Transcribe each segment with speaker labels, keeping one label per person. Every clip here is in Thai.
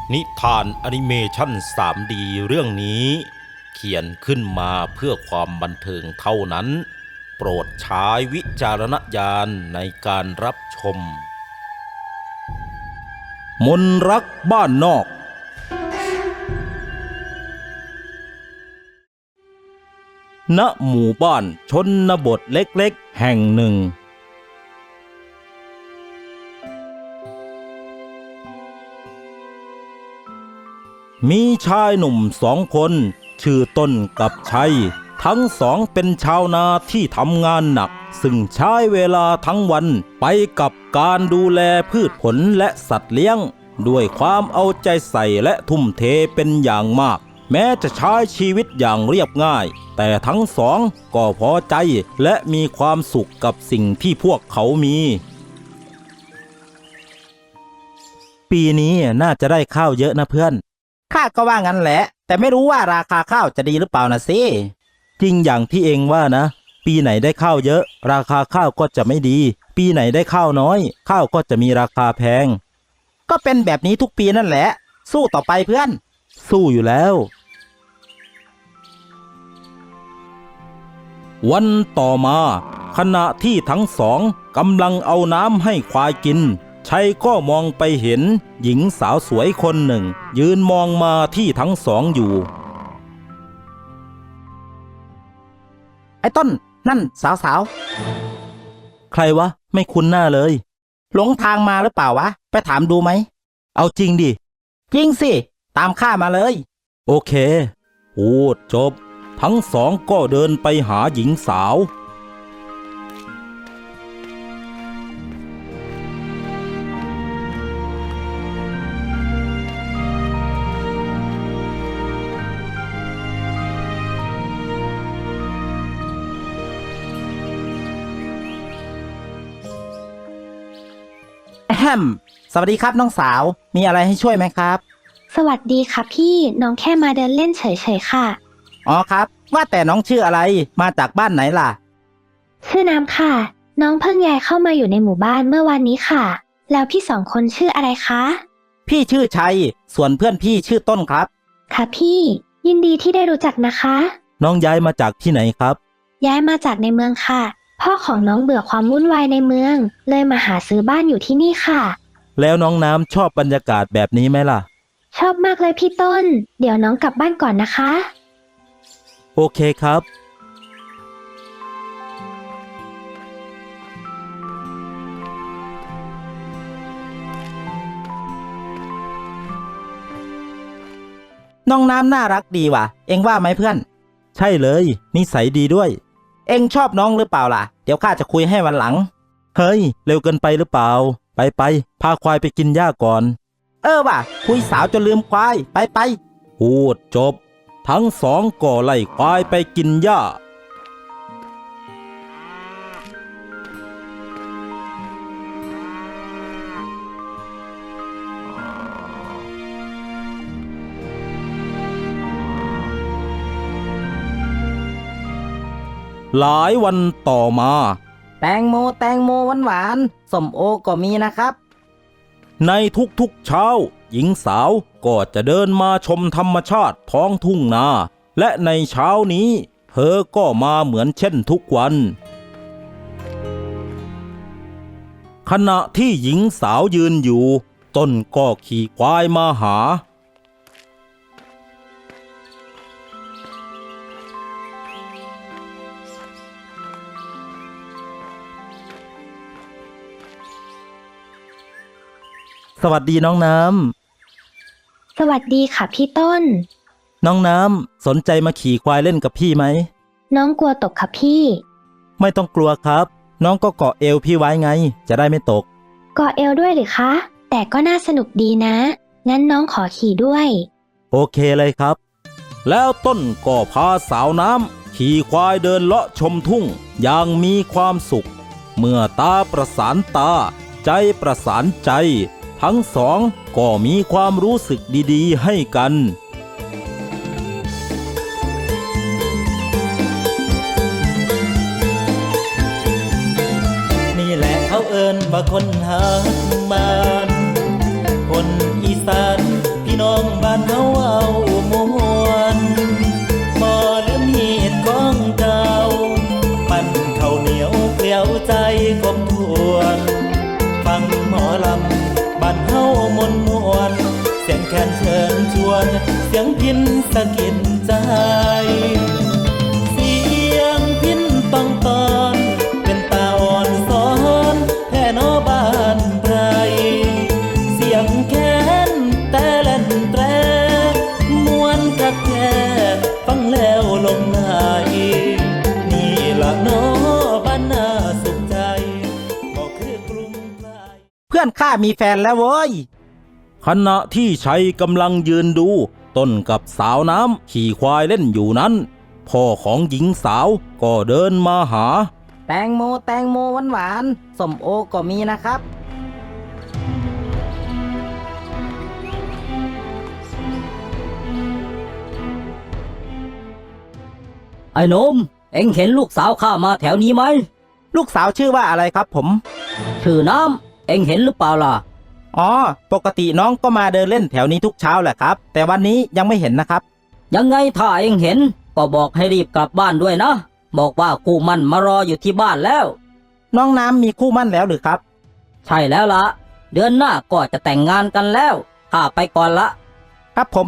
Speaker 1: นิทานแอนิเมชัน 3D เรื่องนี้เขียนขึ้นมาเพื่อความบันเทิงเท่านั้นโปรดใช้วิจารณญาณในการรับชมมนรักบ้านนอกณหมู่บ้านชนบทเล็กๆแห่งหนึ่งมีชายหนุ่ม2 คนชื่อต้นกับชัยทั้งสองเป็นชาวนาที่ทำงานหนักซึ่งใช้เวลาทั้งวันไปกับการดูแลพืชผลและสัตว์เลี้ยงด้วยความเอาใจใส่และทุ่มเทเป็นอย่างมากแม้จะใช้ชีวิตอย่างเรียบง่ายแต่ทั้งสองก็พอใจและมีความสุขกับสิ่งที่พวกเขามีปีนี้น่าจะได้ข้าวเยอะนะเพื่อนข้าก็ว่างั้นแหละแต่ไม่รู้ว่าราคาข้าวจะดีหรือเปล่านะสิจริงอย่างที่เองว่านะปีไหนได้ข้าวเยอะราคาข้าวก็จะไม่ดีปีไหนได้ข้าวน้อยข้าวก็จะมีราคาแพงก็เป็นแบบนี้ทุกปีนั่นแหละสู้ต่อไปเพื่อนสู้อยู่แล้ววันต่อมาขณะที่ทั้งสองกำลังเอาน้ำให้ควายกินชัยก็มองไปเห็นหญิงสาวสวยคนหนึ่งยืนมองมาที่ทั้งสองอยู่ไอ้ต้นนั่นสาวใครวะไม่คุ้นหน้าเลยหลงทางมาหรือเปล่าวะไปถามดูไหมเอาจริงดิจริงสิตามข้ามาเลยโอเคพูดจบทั้งสองก็เดินไปหาหญิงสาวแฮมสวัสดีครับน้องสาวมีอะไรให้ช่วยไหมครับ
Speaker 2: สวัสดีค่ะพี่น้องแค่มาเดินเล่นเฉยๆค่ะ
Speaker 1: อ๋อครับว่าแต่น้องชื่ออะไรมาจากบ้านไหนล่ะ
Speaker 2: ชื่อน้ำค่ะน้องเพิ่งย้ายเข้ามาอยู่ในหมู่บ้านเมื่อวันนี้ค่ะแล้วพี่2 คนชื่ออะไรคะ
Speaker 1: พี่ชื่อชัยส่วนเพื่อนพี่ชื่อต้นครับ
Speaker 2: ค่ะพี่ยินดีที่ได้รู้จักนะคะ
Speaker 1: น้องย้ายมาจากที่ไหนครับ
Speaker 2: ย้ายมาจากในเมืองค่ะพ่อของน้องเบื่อความวุ่นวายในเมืองเลยมาหาซื้อบ้านอยู่ที่นี่ค่ะ
Speaker 1: แล้วน้องน้ำชอบบรรยากาศแบบนี้ไหมล่ะ
Speaker 2: ชอบมากเลยพี่ต้นเดี๋ยวน้องกลับบ้านก่อนนะคะ
Speaker 1: โอเคครับน้องน้ำน่ารักดีว่ะเอ็งว่าไหมเพื่อนใช่เลยนิสัยดีด้วยเอ็งชอบน้องหรือเปล่าล่ะเดี๋ยวข้าจะคุยให้วันหลังเฮ้ยเร็วเกินไปหรือเปล่าไปพาควายไปกินหญ้าก่อนว่ะคุยสาวจนลืมควายไปพูดจบทั้งสองก็ไล่ควายไปกินหญ้าหลายวันต่อมา
Speaker 3: แตงโมหวานส้มโอก็มีนะครับ
Speaker 1: ในทุกๆเช้าหญิงสาวก็จะเดินมาชมธรรมชาติท้องทุ่งนาและในเช้านี้เธอก็มาเหมือนเช่นทุกวันขณะที่หญิงสาวยืนอยู่ต้นก็ขี่ควายมาหาสวัสดีน้องน้
Speaker 2: สวัสดีค่ะพี่ต้น
Speaker 1: ำน้องน้ำสนใจมาขี่ควายเล่นกับพี่ไหม
Speaker 2: น้องกลัวตกค่ะพี่
Speaker 1: ไม่ต้องกลัวครับน้องก็เกาะเอวพี่ไว้ไงจะได้ไม่ตก
Speaker 2: เกาะเอวด้วยหรือคะแต่ก็น่าสนุกดีนะงั้นน้องขอขี่ด้วย
Speaker 1: โอเคเลยครับแล้วต้นก็พาสาวน้ำขี่ควายเดินเลาะชมทุ่งอย่างมีความสุขเมื่อตาประสานตาใจประสานใจทั้งสองก็มีความรู้สึกดีๆให้กันนี่แหละเขาเอิ้นว่าคนหาบ้านคนอีสานพี่น้ององบ้านเฮาเอามวนบ่ลืมฮีดของเก่าปั้นข้าวเหนียวเกลียวใจกบทวน ฟังหมอลำบ้านเฮามนมวนเสียงแคนเชิญชวนเสียงพินสะกิดใจเสียงพินต้องตอนเป็นตาอ่อนสอนแท่นอบ้านไพรเสียงแคนแต่เล่นแตรมวนกักแท้ฟังแล้วลงไหลนี่ละเนาะบ้านนาสุขใจบอกคือกรุงไกล
Speaker 3: เพื่อนข้ามีแฟนแล้วโว้ย
Speaker 1: ขณะที่ชัยกำลังยืนดูต้นกับสาวน้ำขี่ควายเล่นอยู่นั้นพ่อของหญิงสาวก็เดินมาหา
Speaker 3: แตงโมหวานๆส้มโอก็มีนะครับ
Speaker 4: ไอ้หนุ่มเอ็งเห็นลูกสาวข้ามาแถวนี้ไหม
Speaker 3: ลูกสาวชื่อว่าอะไรครับผม
Speaker 4: ชื่อน้ำเอ็งเห็นหรือเปล่าล่ะ
Speaker 3: อ๋อ ปกติน้องก็มาเดินเล่นแถวนี้ทุกเช้าแหละครับ แต่วันนี้ยังไม่เห็นนะครับ
Speaker 4: ยังไงถ้าเอ็งเห็นก็บอกให้รีบกลับบ้านด้วยนะ บอกว่าคู่มั่นมารออยู่ที่บ้านแล้ว
Speaker 3: น้องน้ำมีคู่มั่นแล้วหรือครับ
Speaker 4: ใช่แล้วล่ะ เดือนหน้าก็จะแต่งงานกันแล้วข้าไปก่อนละ
Speaker 3: ครับผม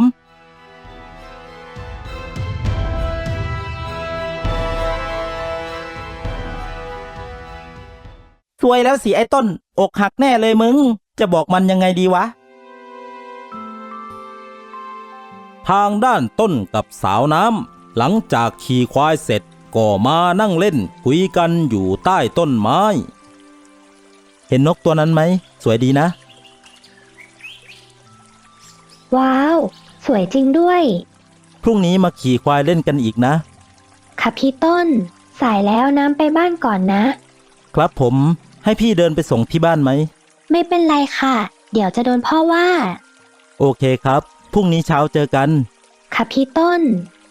Speaker 3: สวยแล้วสิไอ้ต้น อกหักแน่เลยมึง จะบอกมันยังไงดีวะ
Speaker 1: ทางด้านต้นกับสาวน้ำหลังจากขี่ควายเสร็จก็มานั่งเล่นคุยกันอยู่ใต้ต้นไม้
Speaker 3: เห็นนกตัวนั้นไหม สวยดีนะ
Speaker 2: ว้าว สวยจริงด้วย
Speaker 3: พรุ่งนี้มาขี่ควายเล่นกันอีกนะ
Speaker 2: ค่ะพี่ต้น สายแล้วน้ำไปบ้านก่อนนะ
Speaker 3: ครับผมให้พี่เดินไปส่งที่บ้านไหม
Speaker 2: ไม่เป็นไรค่ะ เดี๋ยวจะโดนพ่อว่า
Speaker 3: โอเคครับ พรุ่งนี้เช้าเจอกัน
Speaker 2: ค่ะพี่ต้น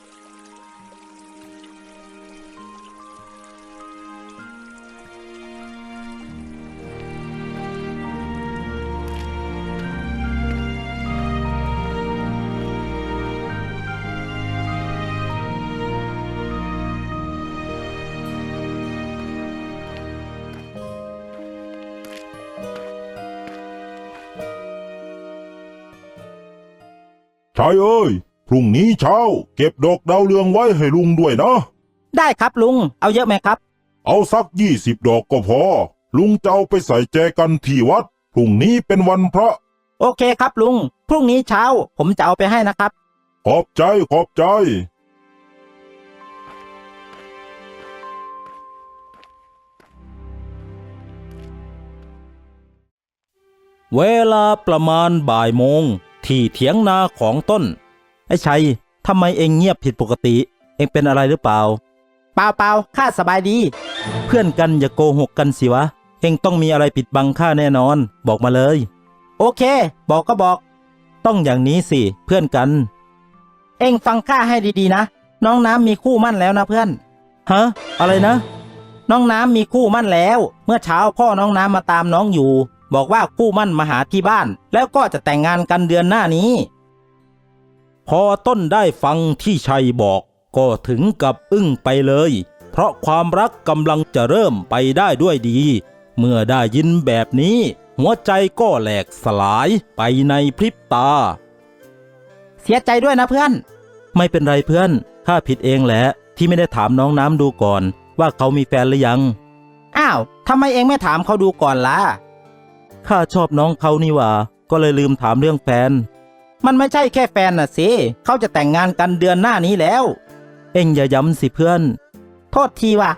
Speaker 5: ชายเอ้ย พรุ่งนี้เช้า เก็บดอกดาวเรืองไว้ให้ลุงด้วยนะ
Speaker 3: ได้ครับลุง เอาเยอะไหมครับ
Speaker 5: เอาสัก20 ดอกก็พอ ลุงจะเอาไปใส่แจกันที่วัด พรุ่งนี้เป็นวันพระ
Speaker 3: โอเคครับลุง พรุ่งนี้เช้า ผมจะเอาไปให้นะครับ
Speaker 5: ขอบใจขอบใจ
Speaker 1: เวลาประมาณบ่ายโมงที่เถียงนาของต้น
Speaker 3: ไอ้ชัยทำไมเองเงียบผิดปกติ เองเป็นอะไรหรือเปล่า เปล่าข้าสบายดี เพื่อนกันอย่าโกหกกันสิวะ เองต้องมีอะไรปิดบังข้าแน่นอน บอกมาเลย โอเค บอกก็บอก ต้องอย่างนี้สิ เพื่อนกัน เองฟังข้าให้ดีๆนะ น้องน้ำมีคู่มั่นแล้วนะเพื่อน ฮะ อะไรนะ น้องน้ำมีคู่มั่นแล้ว เมื่อเช้าพ่อน้องน้ำมาตามน้องอยู่ บอกว่าคู่มั่นมาหาที่บ้าน แล้วก็จะแต่งงานกันเดือนหน้านี้
Speaker 1: พอต้นได้ฟังที่ชัยบอกก็ถึงกับอึ้งไปเลย เพราะความรักกำลังจะเริ่มไปได้ด้วยดี เมื่อได้ยินแบบนี้ หัวใจก็แหลกสลายไปในพริบตา
Speaker 3: เสียใจด้วยนะเพื่อน ไม่เป็นไรเพื่อนข้าผิดเองแหละที่ไม่ได้ถามน้องน้ำดูก่อนว่าเขามีแฟนหรือยัง อ้าวทำไมเองไม่ถามเขาดูก่อนล่ะข้าชอบน้องเขานี่หว่าก็เลยลืมถามเรื่องแฟน มันไม่ใช่แค่แฟนน่ะสิเขาจะแต่งงานกันเดือนหน้านี้แล้ว เอ็งอย่าย้ำสิเพื่อน โทษทีว่ะ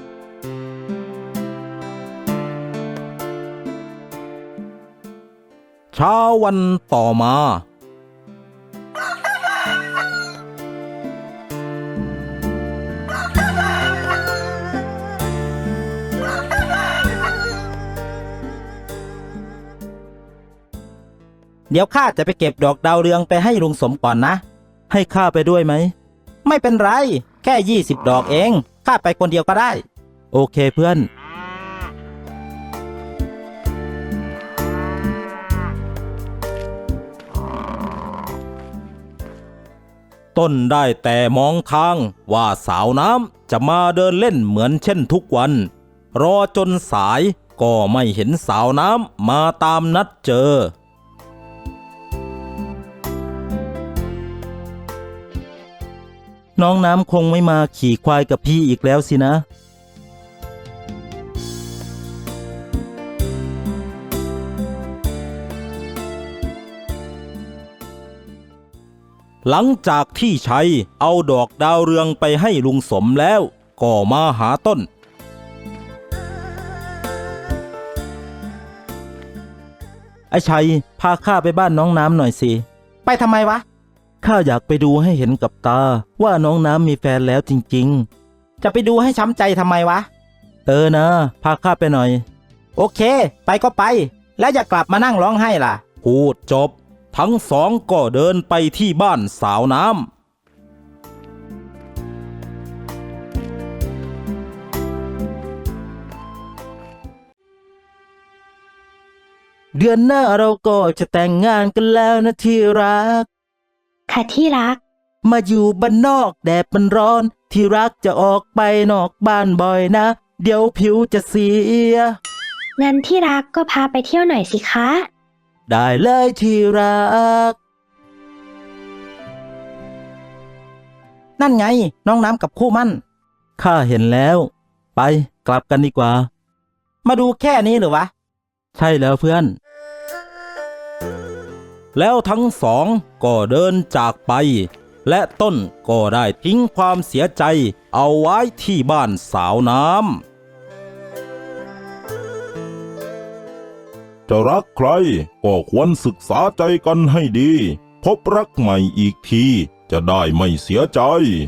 Speaker 1: เช้าวันต่อมา
Speaker 3: เดี๋ยวข้าจะไปเก็บดอกดาวเรืองไปให้ลุงสมก่อนนะ ให้ข้าไปด้วยไหม ไม่เป็นไร แค่20 ดอกเองข้าไปคนเดียวก็ได้ โอเคเพื่อน
Speaker 1: พต้นได้แต่มองทางว่าสาวน้ำจะมาเดินเล่นเหมือนเช่นทุกวัน รอจนสายก็ไม่เห็นสาวน้ำมาตามนัดเจอ
Speaker 3: น้องน้ำคงไม่มาขี่ควายกับพี่อีกแล้วสินะ
Speaker 1: หลังจากที่ชัยเอาดอกดาวเรืองไปให้ลุงสมแล้วก็มาหาต้น
Speaker 3: ไอ้ชัยพาข้าไปบ้านน้องน้ำหน่อยสิ ไปทำไมวะ ข้าอยากไปดูให้เห็นกับตาว่าน้องน้ำมีแฟนแล้วจริงๆ จะไปดูให้ช้ำใจทำไมวะ นะพาข้าไปหน่อย โอเค ไปก็ไป แล้วอย่ากลับมานั่งร้องไห้ล่ะ
Speaker 1: พูดจบ ทั้งสองก็เดินไปที่บ้านสาวน้ำ
Speaker 3: เดือนหน้าเราก็จะแต่งงานกันแล้วนะที่รัก
Speaker 2: ค่ะที่รัก
Speaker 3: มาอยู่บ้านนอกแดดมันร้อน ที่รักจะออกไปนอกบ้านบ่อยนะ เดี๋ยวผิวจะเสีย
Speaker 2: งั้นที่รักก็พาไปเที่ยวหน่อยสิคะ
Speaker 3: ได้เลยที่รัก นั่นไงน้องน้ำกับคู่มั่น ข้าเห็นแล้ว ไปกลับกันดีกว่า มาดูแค่นี้หรือวะ ใช่แล้วเพื่อน
Speaker 1: แล้วทั้งสองก็เดินจากไป และต้นก็ได้ทิ้งความเสียใจเอาไว้ที่บ้านสาวน้ำ
Speaker 5: จะรักใครก็ควรศึกษาใจกันให้ดี พบรักใหม่อีกทีจะได้ไม่เสียใจ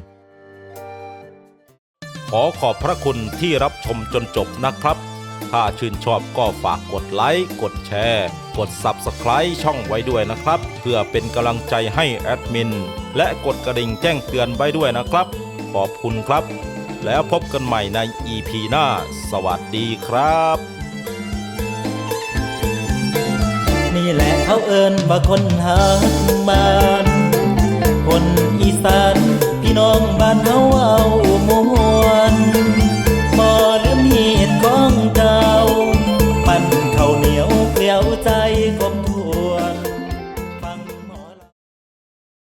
Speaker 1: ขอขอบพระคุณที่รับชมจนจบนะครับ ถ้าชื่นชอบก็ฝากกดไลค์ กดแชร์ กด Subscribe ช่องไว้ด้วยนะครับ เพื่อเป็นกำลังใจให้แอดมิน และกดกระดิ่งแจ้งเตือนไว้ด้วยนะครับ ขอบคุณครับ แล้วพบกันใหม่ใน EP หน้า สวัสดีครับ
Speaker 3: นี่แหละเขาเอิ้นว่าคนหาบ้าน คนอีสานพี่น้องบ้านเฮา